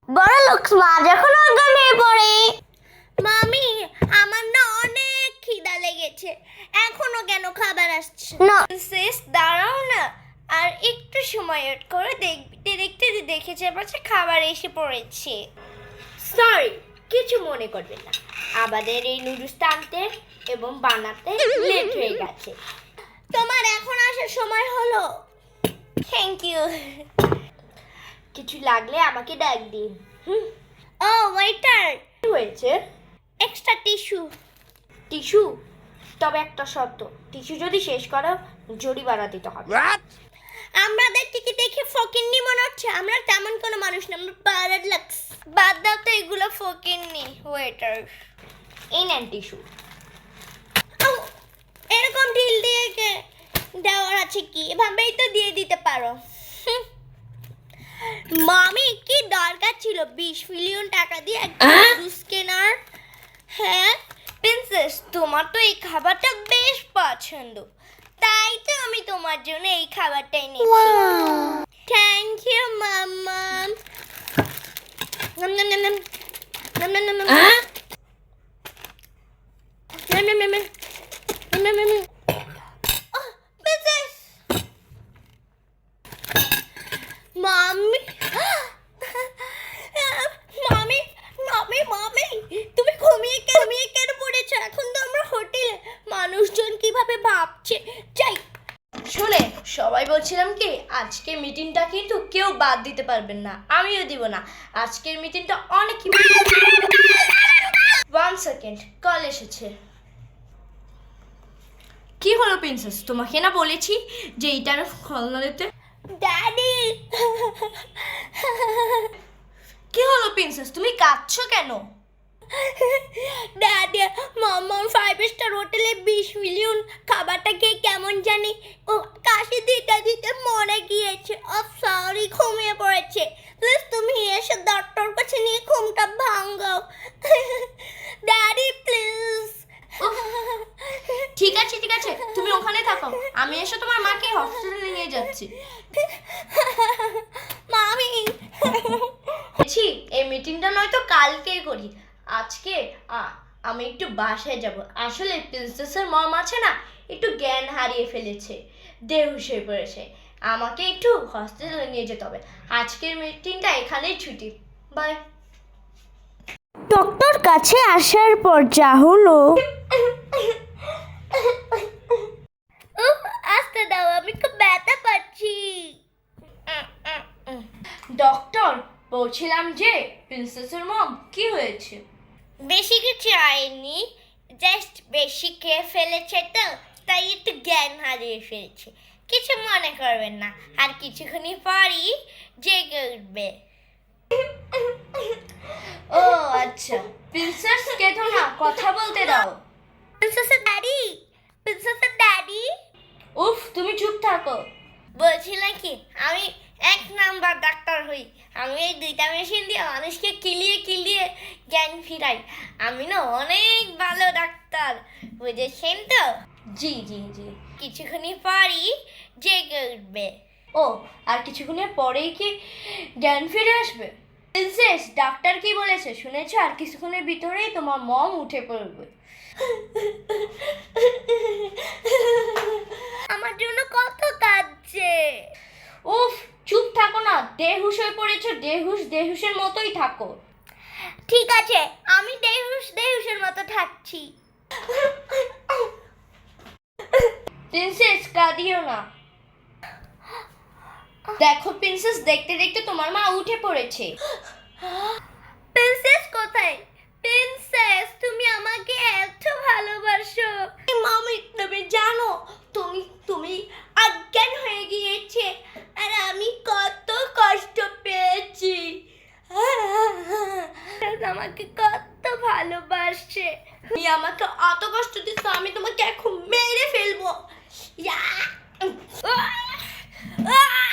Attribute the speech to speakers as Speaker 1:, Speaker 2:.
Speaker 1: বড় লোক মা যখন অজ্ঞান হয়ে পড়ে।
Speaker 2: মামি, আমার না অনেক খিদা লেগেছে, এখনো কেন খাবার আসছে
Speaker 1: না।
Speaker 2: শেষ দাঁড়াও না, আর একটু সময় ওয়েট করে দেখতে দেখতে দেখেছে পাচ্ছে খাবার এসে পড়েছে। সরি, কিছু মনে করবেন না, আমাদের এই নুডলস টানতে এবং বানাতে লেট হয়ে গেছে। তোমার এখন আসার সময় হলো। Thank you. কিছু লাগলে আমাকে ডাক দিন। ও ওয়েটার, কি হয়েছে? Extra tissue. টিস্যু? তবে একটা শর্ত, টিস্যু যদি শেষ করো জরিমানা দিতে হবে। আমাদের টিকি দেখে ফকিন্নি মনে হচ্ছে, আমরা তেমন কোনো মানুষ না, আমরা পাড়ার লাক্স। বাদ দাও তো এগুলো ফকিন্নি। ওয়েটার, এই নেন টিস্যু। এরকম ঢিল দিয়ে দেওয়ার আছে কি? এভাবেই তো দিয়ে দিতে পারো। মামি, কি দরকার ছিল 20 মিলিয়ন টাকা দিয়ে একটা জুস কেনার? হ্যাঁ প্রিন্সেস, তোমার তো এই খাবারটা বেশ পছন্দ, তাই তো আমি তোমার জন্য এই খাবারটা এনেছি। Thank you mamma. Nom nom nom nom nom nom nom nom nom nom nom nom নম। প্রিন্সেস, মাম্মি, মামি, মামি, মামি, তুমি ঘুমিয়ে কেন পড়েছো? এখন তো আমরা হোটেলে, মানুষজন কিভাবে ভাবছে। যাই। শুনে সবাই বলছিলাম কি, আজকের মিটিংটা কিন্তু কেউ বাদ দিতে পারবেন না, আমিও দিব না। আজকের মিটিংটা অনেক। 1 সেকেন্ড, কল এসেছে। কি হলো প্রিন্সেস, তোমাকে না বলেছি যে এইটার খলনা দিতে? ড্যাডি। কি হলো প্রিন্সেস, তুমি কাঁদছো কেন? ড্যাডি, মাম্মা 5 স্টার হোটেলে 20 মিলিয়ন খাবারটা খেয়ে কেমন জানি ও কাশি দিতে দিতে মরে গিয়েছে। সরি, ঘুমিয়ে পড়েছে। প্লিজ তুমি এসে ডক্টর কাছে নিয়ে ঘুমটা ভাঙাও। Daddy please. ঠিক আছে ঠিক আছে, তুমি ওখানে থাকো, আমি এসে তোমার মাকে হসপিটালে নিয়ে যাচ্ছি। মামি, এই মিটিংটা নয়তো কালকেই করি, আজকে আমি একটু বাসায় যাব। আসলে প্রিন্সেসের মম আছে না, একটু জ্ঞান হারিয়ে ফেলেছে, বেহুশ হয়ে পড়েছে, আমাকে একটু হসপিটালে নিয়ে যেতে হবে। আজকের মিটিংটা এখানেই ছুটি, বাই।
Speaker 1: ডক্টর কাছে আসার পর যা হলো।
Speaker 2: আসতে দাও, আমি খুব ব্যথা পাচ্ছি। ডক্টর, বলছিলাম যে প্রিন্সেসের মম কি হয়েছে? বেশি কিছু হয়নি, জাস্ট বেশি খেয়ে ফেলেছে তো, তাই একটু জ্ঞান হারিয়ে ফেলেছে। কিছু মনে করবেন না, আর কিছুক্ষণই পরই জেগে উঠবে। ও আচ্ছা, প্রিন্সেস কেঁদো না, কথা বলতে দাও। প্রিন্সেসের ড্যাডি, প্রিন্সেসের ড্যাডি। উফ, তুমি চুপ থাকো। বলছিলাম কি, আমি 1 নাম্বার ডাক্তার হই, আমি এই 2টা মেশিন দিয়ে মানুষকে কিলিয়ে জ্ঞান ফিরাই। আমি না অনেক ভালো ডাক্তার, বুঝেছেন তো? জি জি জি। কিছুক্ষণই পরই জেগে উঠবে। ও, আর কিছুক্ষণের পরেই কি জ্ঞান ফিরে আসবে? প্রিন্সেস, ডাক্তার কি বলেছে শুনেছো? আর কিছুক্ষণের ভিতরেই তোমার মম উঠে পড়বে। আমার জন্য কত কাঁদছে। উফ, চুপ থাকো না, বেহুশ হয়ে পড়েছো, দেহুশের মতোই থাকো। ঠিক আছে, আমি দেহুশের মতো থাকছি। প্রিন্সেস, কাঁদিও না। দেখো প্রিন্সেস, দেখতে দেখতে তোমার মা উঠে পড়েছে। প্রিন্সেস কোথায়? প্রিন্সেস, তুমি আমাকে এত ভালোবাসো। মামি, তুমি জানো তুমি অজ্ঞান হয়ে গিয়েছে, আর আমি কত কষ্ট পেয়েছি। আমাকে কত ভালোবাসে, তুমি আমাকে অত কষ্ট দিচ্ছ, আমি তোমাকে এখন মেরে ফেলবো।